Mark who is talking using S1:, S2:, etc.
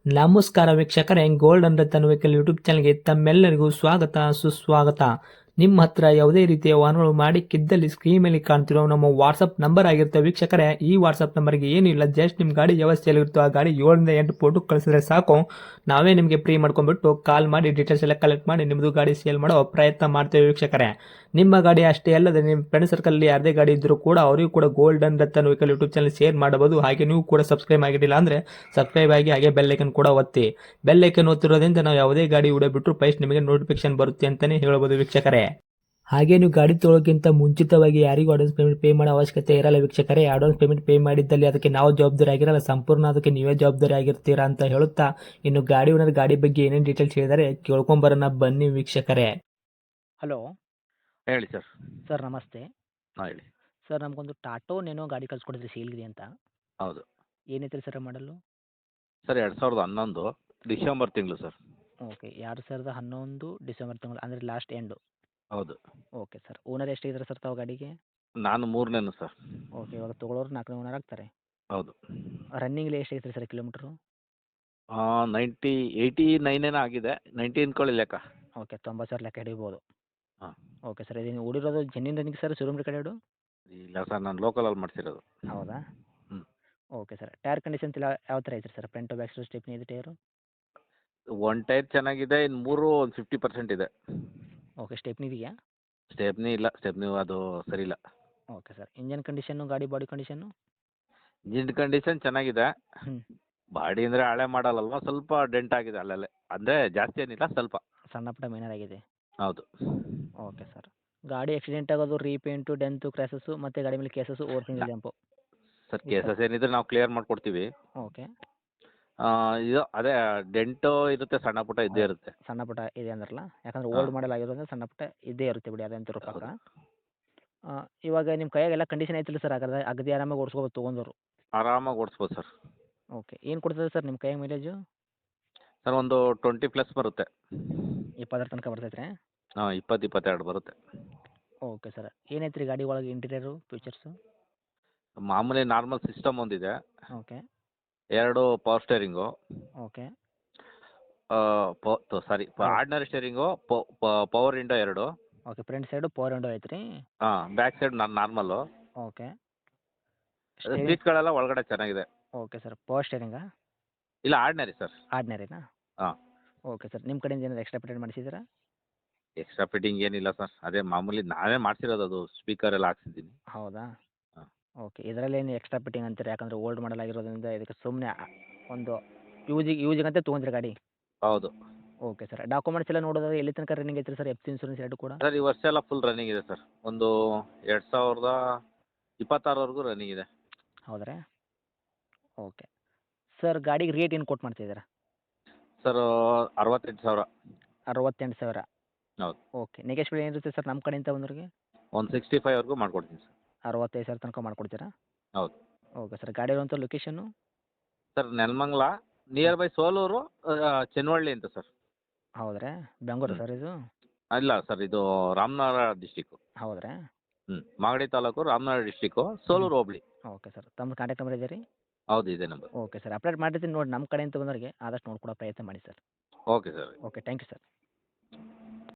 S1: ನಮಸ್ಕಾರ ವೀಕ್ಷಕರೇ, golden Ratan vehicle YouTube ಚಾನಲ್ಗೆ ತಮ್ಮೆಲ್ಲರಿಗೂ ಸ್ವಾಗತ ಸುಸ್ವಾಗತ. ನಿಮ್ಮ ಹತ್ರ ಯಾವುದೇ ರೀತಿಯ ವಾಹನಗಳು ಮಾಡಿಕ್ಕಿದ್ದಲ್ಲಿ ಸ್ಕ್ರೀನ್ ಮೇಲೆ ಕಾಣ್ತಿರೋ ನಮ್ಮ ವಾಟ್ಸಪ್ ನಂಬರ್ ಆಗಿರುತ್ತೆ ವೀಕ್ಷಕರೇ. ಈ ವಾಟ್ಸಪ್ ನಂಬರ್ಗೆ ಏನಿಲ್ಲ, ಜಸ್ಟ್ ನಿಮ್ಮ ಗಾಡಿ ವ್ಯವಸ್ಥೆಯಲ್ಲಿರುತ್ತೋ ಆ ಗಾಡಿ 7 ರಿಂದ 8 ಫೋಟೋ ಕಳಿಸಿದ್ರೆ ಸಾಕು, ನಾವೇ ನಿಮಗೆ ಫ್ರೀ ಮಾಡ್ಕೊಂಡ್ಬಿಟ್ಟು ಕಾಲ್ ಮಾಡಿ ಡೀಟೇಲ್ಸ್ ಎಲ್ಲ ಕಲೆಕ್ಟ್ ಮಾಡಿ ನಿಮ್ಮದು ಗಾಡಿ ಸೇಲ್ ಮಾಡೋ ಪ್ರಯತ್ನ ಮಾಡ್ತೇವೆ ವೀಕ್ಷಕರೇ. ನಿಮ್ಮ ಗಾಡಿ ಅಷ್ಟೇ ಅಲ್ಲದೆ ನಿಮ್ಮ ಫ್ರೆಂಡ್ ಸರ್ಕಲ್ ಯಾರದೇ ಗಾಡಿ ಇದ್ದರೂ ಕೂಡ ಅವರಿಗೂ ಕೂಡ golden Ratan vehicle YouTube channel share ಮಾಡಬಹುದು. ಹಾಗೆ ನೀವು ಕೂಡ ಸಬ್ಸ್ಕ್ರೈಬ್ ಆಗಿರಲಿಲ್ಲ ಅಂದರೆ ಸಬ್ಸ್ಕ್ರೈಬ್ ಆಗಿ ಹಾಗೆ ಬೆಲ್ ಐಕನ್ ಕೂಡ ಒತ್ತಿ. ಬೆಲ್ ಐಕನ್ ಒತ್ತಿರೋದ್ರಿಂದ ನಾವು ಯಾವುದೇ ಗಾಡಿ ವಿಡಿಯೋ ಬಿಟ್ಟರು ಫಸ್ಟ್ ನಿಮಗೆ ನೋಟಿಫಿಕೇಶನ್ ಬರುತ್ತೆ ಅಂತಲೇ ಹೇಳ್ಬೋದು ವೀಕ್ಷಕರೇ. ಹಾಗೆ ನೀವು ಗಾಡಿ ತೊಳೋಕ್ಕಿಂತ ಮುಂಚಿತವಾಗಿ ಯಾರಿಗೂ ಅಡ್ವಾನ್ಸ್ ಪೇಮೆಂಟ್ ಪೇ ಮಾಡೋ ಅವಶ್ಯಕತೆ ಇರಲ್ಲ ವೀಕ್ಷಕರೇ. ಅಡ್ವಾನ್ಸ್ ಪೇಮೆಂಟ್ ಪೇ ಮಾಡಿದ್ದಲ್ಲಿ ಅದಕ್ಕೆ ನಾವು ಜವಾಬ್ದಾರಿ ಆಗಿರಲ್ಲ, ಸಂಪೂರ್ಣ ಅದಕ್ಕೆ ನೀವೇ ಜವಾಬ್ದಾರಿ ಆಗಿರ್ತೀರಾ ಅಂತ ಹೇಳುತ್ತಾ, ಇನ್ನು ಗಾಡಿ ಓನರ್ ಗಾಡಿ ಬಗ್ಗೆ ಏನೇನು ಡೀಟೇಲ್ಸ್ ಹೇಳಿದರೆ ಕೇಳ್ಕೊಂಬರೋಣ ಬನ್ನಿ ವೀಕ್ಷಕರೇ.
S2: ಹಲೋ
S3: ಹೇಳಿ ಸರ್.
S2: ಸರ್, ನಮಸ್ತೆ.
S3: ಹಾಂ ಹೇಳಿ.
S2: ಸರ್, ನಮಗೊಂದು ಟಾಟೋ ನೇನೋ ಗಾಡಿ ಕಳ್ಸಿಕೊಡಿದ್ರಿ ಸೇಲ್ಗಿದೆ ಅಂತ.
S3: ಹೌದು
S2: ಏನೈತ್ರಿ ಸರ್ ಮಾಡಲು?
S3: ಸರ್, 2011 ಡಿಸೆಂಬರ್ ತಿಂಗಳು ಸರ್.
S2: ಓಕೆ, 2011 ಡಿಸೆಂಬರ್ ತಿಂಗಳು ಅಂದರೆ ಲಾಸ್ಟ್ ಎಂಡು.
S3: ಹೌದು.
S2: ಓಕೆ ಸರ್, ಓನರ್ ಎಷ್ಟಿದ್ದಾರೆ ಸರ್ ತಾವು ಗಾಡಿಗೆ?
S3: ನಾನು 3ನೇನು ಸರ್.
S2: ಓಕೆ, ಇವಾಗ ತೊಗೊಳೋರು 4ನೇ ಓನರ್ ಆಗ್ತಾರೆ.
S3: ಹೌದು.
S2: ರನ್ನಿಂಗ್ಲಿ ಎಷ್ಟಾಗೈತೆ ರೀ ಸರ್ ಕಿಲೋಮೀಟ್ರು?
S3: 89 ಆಗಿದೆ, 90 ಅನ್ಕೊಳ್ಳಿ ಲೆಕ್ಕ.
S2: ಓಕೆ, 90,000 ಲೆಕ್ಕ ಹಿಡಿಬೋದು.
S3: ಹಾಂ.
S2: ಓಕೆ ಸರ್, ಇದು ನೀವು ಓಡಿರೋದು ಜೆನ್ಯೂನ್ ರನ್ನಿಂಗ್ ಸರ್, ಶೋರೂಮ್ ಕಡೆ
S3: ಇಲ್ಲ ಸರ್, ನಾನು ಲೋಕಲಲ್ಲಿ ಮಾಡಿಸಿರೋದು.
S2: ಹೌದಾ?
S3: ಹ್ಞೂ.
S2: ಓಕೆ ಸರ್, ಟೈರ್ ಕಂಡೀಷನ್ ಯಾವ ಥರ ಐತ್ರಿ sir? Front back side stepney ಇದೆ ಟೈರು?
S3: ಒಂದು ಟೈರ್ ಚೆನ್ನಾಗಿದೆ, ಇನ್ನು 3 ಒಂದು 50% ಇದೆ.
S2: ಓಕೆ, ಸ್ಟೆಪ್ನಿ ಇದೆಯಾ?
S3: ಸ್ಟೆಪ್ನಿ ಇಲ್ಲ, ಸ್ಟೆಪ್ನಿ ಅದು ಸರಿ ಇಲ್ಲ.
S2: ಓಕೆ ಸರ್, ಇಂಜನ್ ಕಂಡೀಷನ್ನು, ಗಾಡಿ ಬಾಡಿ ಕಂಡೀಷನ್ನು?
S3: ಇಂಜಿನ್ ಕಂಡೀಷನ್ ಚೆನ್ನಾಗಿದೆ.
S2: ಹ್ಞೂ.
S3: ಬಾಡಿ ಅಂದರೆ ಹಳೆ ಮಾಡಲ್ಲಲ್ವ, ಸ್ವಲ್ಪ ಡೆಂಟ್ ಆಗಿದೆ ಅಲ್ಲಲ್ಲೇ, ಅಂದರೆ ಜಾಸ್ತಿ ಏನಿಲ್ಲ, ಸ್ವಲ್ಪ.
S2: ಸಣ್ಣ ಪುಟ್ಟ ಮೇನರ್ ಆಗಿದೆ.
S3: ಹೌದು.
S2: ಓಕೆ ಸರ್, ಗಾಡಿ ಆಕ್ಸಿಡೆಂಟ್ ಆಗೋದು, ರೀಪೇಂಟು, ಡೆಂತು, ಕ್ರ್ಯಾಸಸ್ಸು ಮತ್ತು ಗಾಡಿ ಮೇಲೆ cases, over single jump?
S3: Sir, cases ಏನಿದ್ರೆ ನಾವು ಕ್ಲಿಯರ್ ಮಾಡಿಕೊಡ್ತೀವಿ.
S2: ಓಕೆ.
S3: ಇದು ಅದೇ ಡೆಂಟು ಇರುತ್ತೆ, ಸಣ್ಣ ಪುಟ್ಟ ಇದ್ದೇ ಇರುತ್ತೆ.
S2: ಸಣ್ಣ ಪುಟ್ಟ ಇದೆ ಅಂದ್ರಲ್ಲ, ಯಾಕಂದ್ರೆ
S3: ಹಾಂ.
S2: ಓಲ್ಡ್ ಮಾಡಲ್ ಆಗಿರೋದ್ರಿಂದ ಸಣ್ಣ ಪುಟ್ಟ ಇದ್ದೇ ಇರುತ್ತೆ ಬಿಡಿ, ಅದಂತೂ ಪಕ್ಕ.
S3: ಹೌದು.
S2: ಇವಾಗ ನಿಮ್ಮ ಕೈಯಾಗೆಲ್ಲ ಕಂಡೀಷನ್ ಐತಿಲ್ಲ ಸರ್? ಹಾಗಾದ್ರೆ ಅಗದಿ ಆರಾಮಾಗಿ ಓಡಿಸ್ಕೋಬೋದು ತೊಗೊಂಡವರು?
S3: ಆರಾಮಾಗಿ ಓಡಿಸ್ಬೋದು ಸರ್.
S2: ಓಕೆ, ಏನು ಕೊಡ್ತದೆ ಸರ್ ನಿಮ್ಮ ಕೈಯಾಗ ಮೈಲೇಜು?
S3: ಸರ್, ಒಂದು 20+ ಬರುತ್ತೆ.
S2: 20 ತನಕ ಬರ್ತೈತೆ?
S3: ಹಾಂ, 20-22 ಬರುತ್ತೆ.
S2: ಓಕೆ ಸರ್, ಏನೈತೆ ರೀ ಗಾಡಿ ಒಳಗೆ ಇಂಟೀರಿಯರು ಫೀಚರ್ಸು?
S3: ಮಾಮೂಲಿ ನಾರ್ಮಲ್ ಸಿಸ್ಟಮ್ ಒಂದಿದೆ,
S2: okay.
S3: 2 power steering,
S2: okay.
S3: Sorry
S2: ಹೌದು.
S3: Ordinary steering, power window 2.
S2: Okay, front side power window ಐತೆ ರೀ?
S3: ಹಾಂ, ಬ್ಯಾಕ್ ಸೈಡ್ ನಾರ್ಮಲ್ಲು.
S2: ಓಕೆ.
S3: ಸೀಟ್ಗಳೆಲ್ಲ ಒಳಗಡೆ ಚೆನ್ನಾಗಿದೆ.
S2: ಓಕೆ ಸರ್, ಪವರ್ ಸ್ಟೇರಿಂಗಾ?
S3: ಇಲ್ಲ, ಆರ್ಡಿನರಿ ಸರ್.
S2: ಆರ್ಡಿನರಿನಾ?
S3: ಹಾಂ.
S2: ಓಕೆ ಸರ್, ನಿಮ್ಮ ಕಡೆಯಿಂದ ಏನಾದ್ರು ಎಕ್ಸ್ಟ್ರಾ ಪೇಮೆಂಟ್ ಮಾಡಿಸಿದ್ದೀರಾ?
S3: ಎಕ್ಸ್ಟ್ರಾ ಫಿಟ್ಟಿಂಗ್ ಏನಿಲ್ಲ ಸರ್, ಅದೇ ಮಾಮೂಲಿ ನಾವೇ ಮಾಡಿಸಿರೋದು, ಅದು ಸ್ಪೀಕರ್ ಎಲ್ಲ ಹಾಕ್ಸಿದ್ದೀನಿ.
S2: ಹೌದಾ?
S3: ಹಾಂ.
S2: ಓಕೆ, ಇದರಲ್ಲೇನು ಎಕ್ಸ್ಟ್ರಾ ಫಿಟ್ಟಿಂಗ್ ಅಂತೀರಿ? ಯಾಕಂದರೆ ಓಲ್ಡ್ ಮಾಡಲ್ ಆಗಿರೋದ್ರಿಂದ ಇದಕ್ಕೆ ಸುಮ್ಮನೆ ಒಂದು ಯೂಸಿಗಂತ ತೊಗೊಂಡ್ರಿ ಗಾಡಿ?
S3: ಹೌದು.
S2: ಓಕೆ ಸರ್, ಡಾಕ್ಯುಮೆಂಟ್ಸ್ ಎಲ್ಲ ನೋಡೋದಾದ್ರೆ ಎಲ್ಲಿ ತನಕ ರನ್ನಿಂಗ್ ಐತ್ರಿ ಸರ್? ಎಫ್ ಸಿ ಇನ್ಸೂರೆನ್ಸ್ ಎರಡು ಕೂಡ?
S3: ಸರ್, ಈ ವರ್ಷ ಎಲ್ಲ ಫುಲ್ ರನ್ನಿಂಗ್ ಇದೆ ಸರ್. ಒಂದು 2026ವರೆಗೂ ರನ್ನಿಂಗ್ ಇದೆ.
S2: ಹೌದ್ರಾ? ಓಕೆ ಸರ್, ಗಾಡಿಗೆ ರೇಟ್ ಏನು ಕೊಟ್ಟು ಮಾಡ್ತಿದ್ದೀರಾ?
S3: ಸರ್, 68,000.
S2: 68,000?
S3: ಹೌದು.
S2: ಓಕೆ, ನೆಗೆಶ್ಬಲ್ ಏನಿರುತ್ತೆ ಸರ್ ನಮ್ಮ ಕಡೆಯಿಂದ ಬಂದವ್ರಿಗೆ?
S3: ಒಂದು 65ವರೆಗೂ ಮಾಡ್ಕೊಡ್ತೀನಿ ಸರ್.
S2: 65,000 ತನಕ ಮಾಡ್ಕೊಡ್ತೀರಾ?
S3: ಹೌದು.
S2: ಓಕೆ ಸರ್, ಗಾಡಿ ಇರುವಂಥ ಲೊಕೇಶನ್ನು?
S3: Sir, Nelamangala, near by Soluru, Chennavalli ಅಂತ ಸರ್.
S2: ಹೌದ್ರಾ? ಬೆಂಗಳೂರು ಸರ್ ಇದು?
S3: ಇಲ್ಲ ಸರ್, ಇದು ರಾಮನಗರ ಡಿಸ್ಟಿಕ್ಕು.
S2: ಹೌದ್ರಾ?
S3: Magadi taluk, Ramanagara district, Soluru hobli.
S2: Okay sir, ತಮ್ಮ ಕಾಂಟ್ಯಾಕ್ಟ್ ನಂಬರ್ ಇದೆ ರೀ?
S3: ಹೌದು, ಇದೆ ನಂಬರ್.
S2: ಓಕೆ ಸರ್, ಅಪ್ಡೇಟ್ ಮಾಡಿರ್ತೀನಿ ನೋಡಿ, ನಮ್ಮ ಕಡೆಯಿಂದ ಬಂದವರಿಗೆ ಆದಷ್ಟು ನೋಡ್ಕೊಡೋ ಪ್ರಯತ್ನ ಮಾಡಿ sir.
S3: Okay sir.
S2: Okay, thank you sir.